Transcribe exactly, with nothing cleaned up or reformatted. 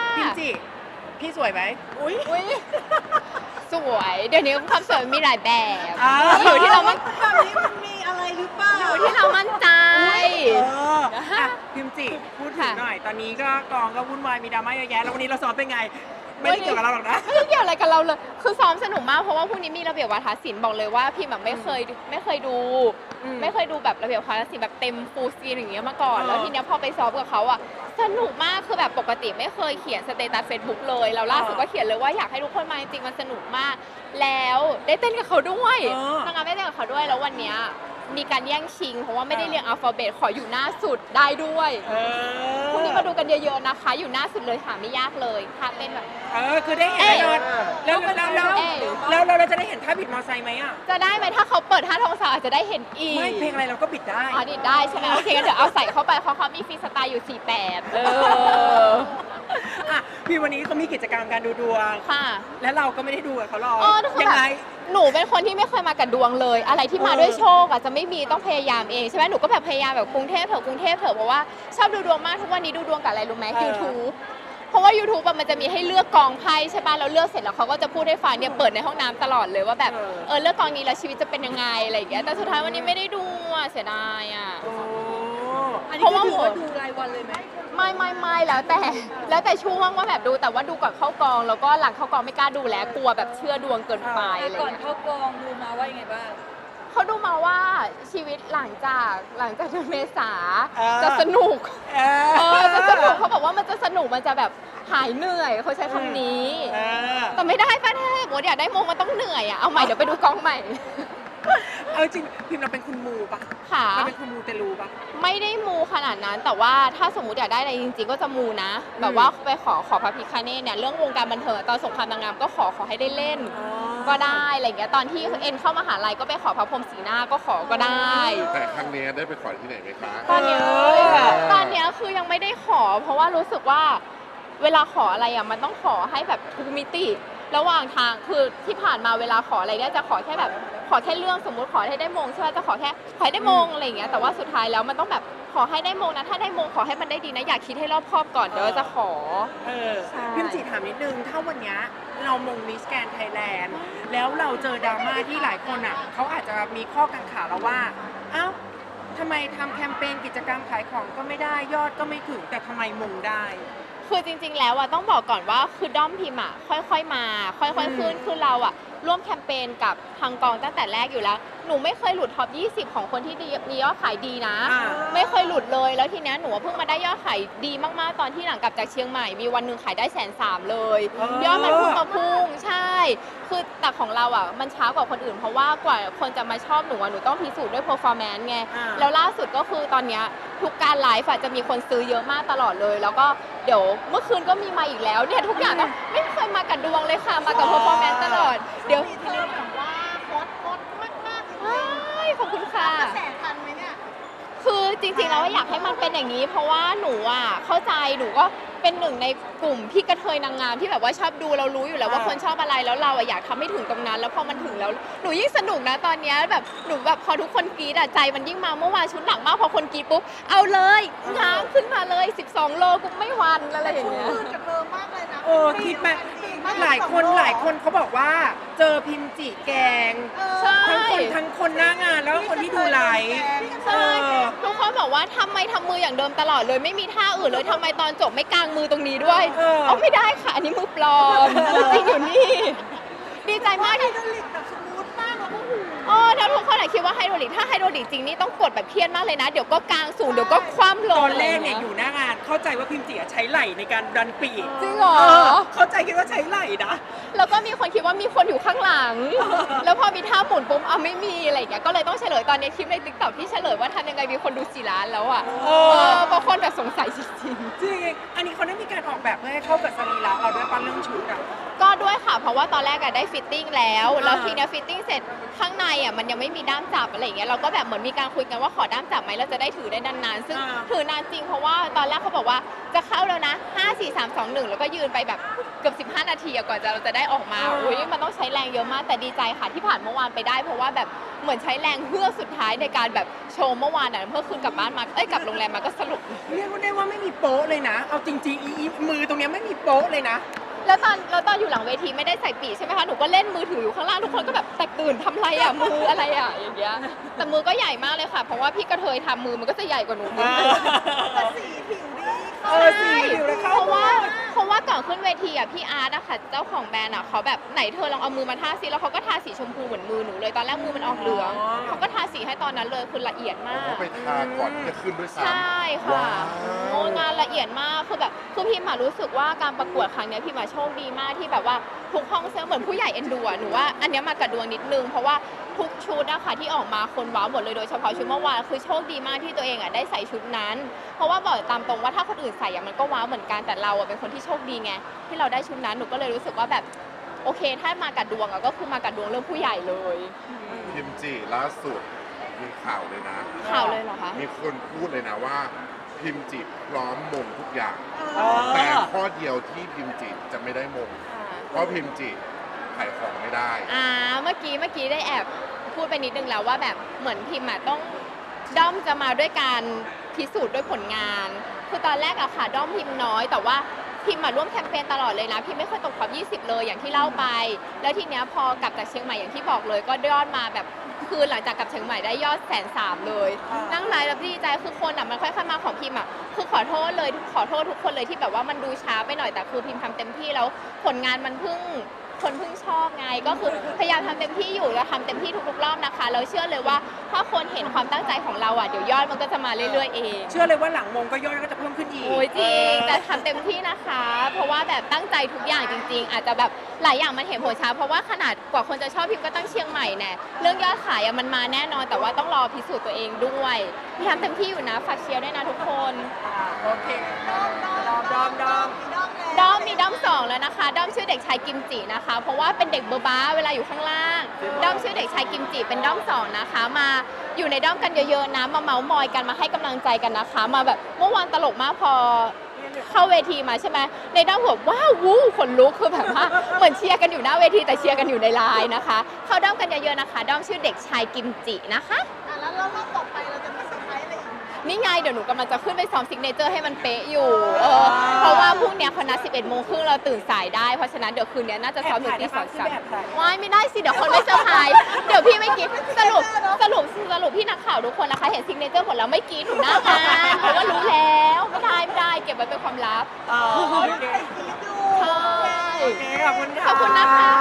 พิมจิพี่สวยไหมอุ้ยสวยเดี๋ยวนี้ความสวยมีหลายแบบอยู่ที่เรามั่นแบบนี้มันมีอะไรหรือเปล่าอยู่ที่เรามั่นใจเอออ่ะพิมจิพูดถึงหน่อยตอนนี้ก็กองก็วุ่นวายมีดราม่าเยอะแยะแล้ววันนี้เราซ้อมเป็นไงไม่ได้เกี่ยวกับเราหรอกนะไม่ได้เกี่ยวอะไรกับเราเลยคือซ้อมสนุกมากเพราะว่าพรุ่งนี้มีระเบียบวาทศิลป์บอกเลยว่าพี่แบบไม่เคยไม่เคยดู ไม่เคยดูแบบระเบียบวาทศิลป์แบบเต็มฟูลสกรีนอย่างเงี้ยมาก่อนแล้วทีเนี้ยพอไปซ้อมกับเขาอ่ะสนุกมากคือแบบปกติไม่เคยเขียนสเตตัสเฟซบุ๊กเลยแล้วล่าสุดก็เขียนเลยว่าอยากให้ทุกคนมาจริงๆมันสนุกมากแล้วได้เต้นกับเขาด้วยนางงามได้เต้นกับเขาด้วยแล้ววันเนี้ยมีการแย่งชิงเพราะว่าไม่ได้เรียงอัลฟาเบตขออยู่หน้าสุดได้ด้วยพรุ่งนี้มาดูกันเยอะๆนะคะอยู่หน้าสุดเลยหาไม่ยากเลยท่าเต้นแบบเออคือได้เห็นแน่นอนแล้วแล้วแล้วแล้วเราจะได้เห็นท่าบิดมอไซค์ไหมอ่ะจะได้ไหมถ้าเขาเปิดท่าทองสาวอาจจะได้เห็นอีกไม่เพลงอะไรเราก็บิดได้อ๋อบิดได้ใช่ไหมโอเคงั้นเดี๋ยวเอาใส่เข้าไปเพราะเขามีฟรีสไตล์อยู่สี่แบบเอออ่ะพี่วันนี้เขามีกิจกรรมการดูดวงค่ะแล้วเราก็ไม่ได้ดูกับเขาหรอกยังไงหนูเป็นคนที่ไม่เคยมากับดวงเลยอะไรที่มาด้วยโชคอ่ะจะไม่มีต้องพยายามเองใช่ไหมหนูก็แบบพยายามแบบกรุงเทพเถอะกรุงเทพเถอะเพราะว่าชอบดูดวงมากทุกวันนี้ดูดวงกับอะไรรู้ไหม YouTube เพราะว่า YouTube มันจะมีให้เลือกกองไพ่ใช่ป่ะเราเลือกเสร็จแล้วเขาก็จะพูดให้ฟังเนี่ยเปิดในห้องน้ำตลอดเลยว่าแบบเออเลือกกองนี้แล้วชีวิตจะเป็นยังไงอะไรอย่างเงี้ยแต่สุดท้ายวันนี้ไม่ได้ดูอ่ะเสียดายอ่ะเพราะว่าหมดดูรายวันเลยไหมไม่ไม่ไม่แล้วแต่แล้วแต่ช่วงว่าแบบดูแต่ว่าดูก่อนเข้ากองแล้วก็หลังเข้ากองไม่กล้าดูแล้วกลัวแบบเชื่อดวงเกินไปอะไรก่อนเข้ากองดูมาว่ายังไงบ้างเขาดูมาว่าชีวิตหลังจากหลังจากเดือนเมษาจะสนุกเออจะสนุกเขาบอกว่ามันจะสนุกมันจะแบบหายเหนื่อยเขาใช้คำนี้แต่ไม่ได้ป้าแท้โหอยากได้โมงมันต้องเหนื่อยอ่ะเอาใหม่เดี๋ยวไปดูกองใหม่เอาจริงพิมพ์เราเป็นคุณมูปะค่ะเราเป็นคุณมูเตลูปะไม่ได้มูขนาดนั้นแต่ว่าถ้าสมมติอยากได้อะไรจริงๆก็จะมูนะแบบว่าไปขอขอพระพิฆเนศเนี่ยเรื่องวงการบันเทิงตอนสงครามนางงามก็ขอขอให้ได้เล่นก็ได้อะไรเงี้ยตอนที่เอ็นเข้ามหาลัยก็ไปขอพระพรหมสีหน้าก็ขอก็ได้แต่ครั้งนี้ได้ไปขอที่ไหนไหมคะตอนนี้ตอนนี้คือยังไม่ได้ขอเพราะว่ารู้สึกว่าเวลาขออะไรอ่ะมันต้องขอให้แบบทุกมิติระหว่างทางคือที่ผ่านมาเวลาขออะไรเนี่ยจะขอแค่แบบขอแค่เรื่องสมมุติขอให้ได้มงใช่ไหมจะขอแค่ขอให้ได้มงอะไรอย่างเงี้ยแต่ว่าสุดท้ายแล้วมันต้องแบบขอให้ได้มงนะถ้าได้มงขอให้มันได้ดีนะอยากคิดให้รอบคอบก่อนเดี๋ยวจะขอเออพิมจิถามนิดนึงถ้าวันนี้เรามงมิสแกรนด์ไทยแลนด์แล้วเราเจอดราม่าที่หลายคนอ่ะเขาอาจจะมีข้อกังขาเราว่าเอ้าทำไมทำแคมเปญกิจกรรมขายของก็ไม่ได้ยอดก็ไม่ถึงแต่ทำไมมงได้คือจริงๆแล้วอะต้องบอกก่อนว่าคือด้อมพิมอะค่อยๆมาค่อยๆขึ้นคือเราอะร่วมแคมเปญกับทางกองตั้งแต่แรกอยู่แล้วหนูไม่เคยหลุดท็อปยี่สิบของคนที่มียอดขายดีนะไม่เคยหลุดเลยแล้วทีนี้หนูเพิ่งมาได้ยอดขายดีมากๆตอนที่หลังกลับจากเชียงใหม่มีวันหนึ่งขายได้แสนสามเลยยอดมันพุ่งมาพุ่งใช่คือแต่ของเราอ่ะมันช้ากว่าคนอื่นเพราะว่ากว่าคนจะมาชอบหนูอ่ะหนูต้องพิสูจน์ด้วย performance ไงแล้วล่าสุดก็คือตอนนี้ทุกการไลฟ์จะมีคนซื้อเยอะมากตลอดเลยแล้วก็เดี๋ยวเมื่อคืนก็มีมาอีกแล้วเนี่ยทุกอย่างก็ไม่เคยมากับดวงเลยค่ะมากับ performance ตลอดเดี๋ยวเธอแบบว่าโคตรโคตรมากมากเลยขอบคุณค่ะกระแสทันไหมเนี่ยคือจริงๆแล้วอยากให้มันเป็นอย่างนี้เพราะว่าหนูอ่ะเข้าใจหนูก็เป็นหนึ่งในกลุ่มพี่กระเทยนางงามที่แบบว่าชอบดูเรารู้อยู่แล้วว่าคนชอบอะไรแล้วเราอ่ะอยากทำให้ถึงตรงนั้นแล้วพอมันถึงแล้วหนูยิ่งสนุกนะตอนนี้แบบหนูแบบพอทุกคนกรี๊ดอ่ะใจมันยิ่งมาเมื่อวานชุดหนักมากพอคนกรี๊ดปุ๊บเอาเลยง้างขึ้นมาเลยสิบสองโลกูไม่หวั่นอะไรอย่างเงี้ยกับเธอมากเลยนะเออคิดแบบหลายคนหลายคนเขาบอกว่าเจอพิมจิแกงทั้งคนทั้งคนหน้างานแล้วก็คนที่ดูไลฟ์ใช่ทุกคนบอกว่าทำไมทำมืออย่างเดิมตลอดเลยไม่มีท่าอื่นเลยทำไมตอนจบไม่กางมือตรงนี้ด้วยเอาไม่ได้ค่ะอันนี้มือปลอมมือจริงอยู่นี่ดีใจมากที่ไฮดรอลิกแบบสมูทมากแล้วก็หูอ๋อถ้าทุกคนคิดว่าไฮดรอลิกถ้าไฮดรอลิกจริงนี่ต้องกดแบบเครียดมากเลยนะเดี๋ยวก็กางสูงเดี๋ยวก็คว่ำลงตอนแรกเนี่ยอยู่หน้างานเข้าใจว่าพิมจิใช้ไหล่ในการดันปีกจริงเหรอเข้าใจคิดว่าใช้ไหล่นะแล้วก็มีคนคิดว่ามีคนอยู่ข้างหลังแล้วพอมีท่าหมุนปุ๊บเอาไม่มีอะไรอย่างเงี้ยก็เลยต้องเฉลยตอนนี้คลิปใน ติ๊กต็อก ที่เฉลยว่าทำยังไงมีคนดูสี่ล้านแล้วอ่ะเออเพราะคนแบบสงสัยจริงจริงอันนี้เขาได้มีการออกแบบเพื่อให้เข้ากับสรีระเราด้วยปั้นเรื่องชุดอ่ะก็ด้วยค่ะ เพราะว่าตอนแรกอะได้ฟิตติ้งแล้วอ่าแล้วทีเนี้ยฟิตติ้งเสร็จข้างในอะมันยังไม่มีด้ามจับอะไรอย่างเงี้ยเราก็แบบเหมือนมีการคุยกันว่าขอด้ามจับไหมเราจะได้ถือได้นานๆซึ่งอ่าถือนานจริงเพราะว่าตอนแรกเขาบอกว่าจะเข้าแล้วนะห้า สี่ สาม สอง หนึ่งแล้วก็ยืนไปแบบเกือบสิบห้านาทีอะกว่าจะเราจะได้ออกมาอุ้ยมันต้องใช้แรงเยอะมากแต่ดีใจค่ะที่ผ่านเมื่อวานไปได้ เพราะว่าแบบเหมือนใช้แรงเพื่อสุดท้ายในการแบบโชว์เมื่อวานอะเมื่อคืนกลับบ้านมาเอ้ยกลับโรงแรมมาก็สรุปเรียกว่าได้ว่าไม่มีโป๊ะเลยนะ เอาจริงๆอีอีมือตรงเนี้ยไม่มีโป๊ะเลยนะแล้วตอนแล้วตอนอยู่หลังเวทีไม่ได้ใส่ปีกใช่ไหมคะ หนูก็เล่นมือถืออยู่ข้างล่างทุกคนก็แบบแตกตื่นทำอะไรอ่ะ มืออะไรอ่ะอย่างเงี้ย แต่มือก็ใหญ่มากเลยค่ะ เพราะว่าพี่กระเทยทำมือมันก็จะใหญ่กว่าหนูนิดนึงแต่สีผิวดีเออสีผิวเลยเข้าเพราะว่าเพราะว่าก่อนขึ้นเวทีอ่ะพี่อาร์ตอะค่ะเจ้าของแบรนด์อะเขาแบบไหนเธอลองเอามือมาทาสีแล้วเขาก็ทาสีชมพูเหมือนมือหนูเลยตอนแรกมือมันออกเหลืองเขาก็ทาสีให้ตอนนั้นเลยคือละเอียดมาผมกว่าไปทาก่อนที่จะขึ้นด้วยซ้ำใช่ค่ะว้าวโอ้งานละเอียดมาก คือแบบ คือพิมอะรู้สึกว่าการประกวดครั้งเนี้ยพิมอะโชคดีมากที่แบบว่าทุกห้องเสื้อเหมือนผู้ใหญ่เอ็นดูอะหนูว่าอันเนี้ยมากระดวงนิดนึง เพราะว่าทุกชุดนะคะที่ออกมาคนว้าวหมดเลยโดยเฉพาะชุดเมื่อวานคือโชคดีมากที่ตัวเองอะได้ใส่ชุดนั้น เพราะว่าบอกตามตรงว่าถ้าคนอื่นใส่อะมันก็ว้าวเหมือนกัน แต่เราอะเป็นคนที่โชคดีไงที่เราได้ชุดนั้น หนูก็เลยรู้สึกว่าแบบโอเค ถ้ามากัดดวงอะก็คือมากัดดวงเรื่องผู้ใหญ่เลยพิมจีล่าสุดมีข่าวเลยนะข่าวเลยเหรอคะมีคนพูดเลยนะว่า พิมจิพร้อมมงทุกอย่างเออแต่ข้อเดียวที่พิมจิจะไม่ได้มง เพราะพิมจิขายของไม่ได้อ่าเมื่อกี้เมื่อกี้ได้แอบพูดไปนิดนึงแล้วว่าแบบเหมือนพิมอะต้องด้อมจะมาด้วยการพิสูจน์ด้วยผลงาน คือตอนแรกอะค่ะด้อมพิมน้อย แต่ว่าพิมมาร่วมแคมเปญตลอดเลยนะพิมไม่เคยตกท็อปยี่สิบเลยอย่างที่เล่าไป แล้วทีเนี้ยพอกลับจากเชียงใหม่อย่างที่บอกเลย ก็ยอดมาแบบคือหลังจากกลับเชียงใหม่ได้ยอดแสนสามเลยอ่านั่นั่งไลฟ์แล้วดีใจคือคนอะมันค่อยๆมาของพิมอะคือขอโทษเลยขอโทษทุกคนเลยที่แบบว่ามันดูช้าไปหน่อยแต่คือพิมทำเต็มที่แล้วผลงานมันเพิ่ง คนเพิ่งชอบไงก็คือพยายามทำเต็มที่อยู่แล้วทำเต็มที่ทุกๆรอบนะคะแล้วเชื่อเลยว่าถ้าคนเห็นความตั้งใจของเราอ่ะเดี๋ยวยอดมันก็จะมาเรื่อยๆเองเชื่อเลยว่าหลังมงก็ยอดก็จะเพิ่มขึ้นอีกโอ้ยจริงแต่ทำเต็มที่นะคะ เพราะว่าแบบตั้งใจทุกอย่างจริง ๆ อาจจะแบบหลายอย่างมันเห็นผลช้าเพราะว่าขนาดกว่าคนจะชอบพิมก็ตั้งเชียงใหม่แน่เรื่องยอดขายอะมันมาแน่นอน แต่ว่าต้องรอพิสูจน์ตัวเองด้วยพยายามเต็มที่อยู่นะฝากเชียร์ด้วยนะทุกคนโอเคดอมดอมดอมดอมด้อมมีด้อมสองแล้วนะคะด้อมชื่อเด็กชายกิมจินะคะ เพราะว่าเป็นเด็กเบอร์บ้าเวลาอยู่ข้างล่างด้อมชื่อเด็กชายกิมจิเป็นด้อมสองนะคะ มาอยู่ในด้อมกันเยอะๆนะมาเมาส์มอยกันมาให้กำลังใจกันนะคะ มาแบบเมื่อวานตลกมากพอเข้าเวทีมาใช่ไหมในด้อมแบบว้าววู้ขนลุกคือแบบว่าเหมือนเชียร์กันอยู่หน้าเวทีแต่เชียร์กันอยู่ในไลน์นะคะ เข้าด้อมกันเยอะๆนะคะด้อมชื่อเด็กชายกิมจินะคะอ่ะแล้วรอบต่อไปเราจะมีเซอร์ไพรส์อะไรอีกไหมนี่ไงเดี๋ยวหนูกำลังจะขึ้นไปซ้อมซิกเนเจอร์ให้มันเป๊ะอยู่เออเพราะว่าพรุ่งเนี้ยเขานัดสิบเอ็ดโมงครึ่งเราตื่นสายได้ เพราะฉะนั้นเดี๋ยวคืนนี้น่าจะซ้อมอยู่ที่สองสามว้ายไม่ได้สิ เดี๋ยวคนไม่เซอร์ไพรส์เดี๋ยวพี่ไม่กินสรุปสรุปสรุปพี่นักข่าวทุกคนนะคะ เห็นซิกเนเจอร์หมดแล้วไม่กินหนูหน้างานเพราะว่ารู้แล้วไม่ได้ไม่ได้เก็บไว้เป็นความลับอ๋อโอเคใช่โอเคขอบคุณค่ะขอบคุณนะคะ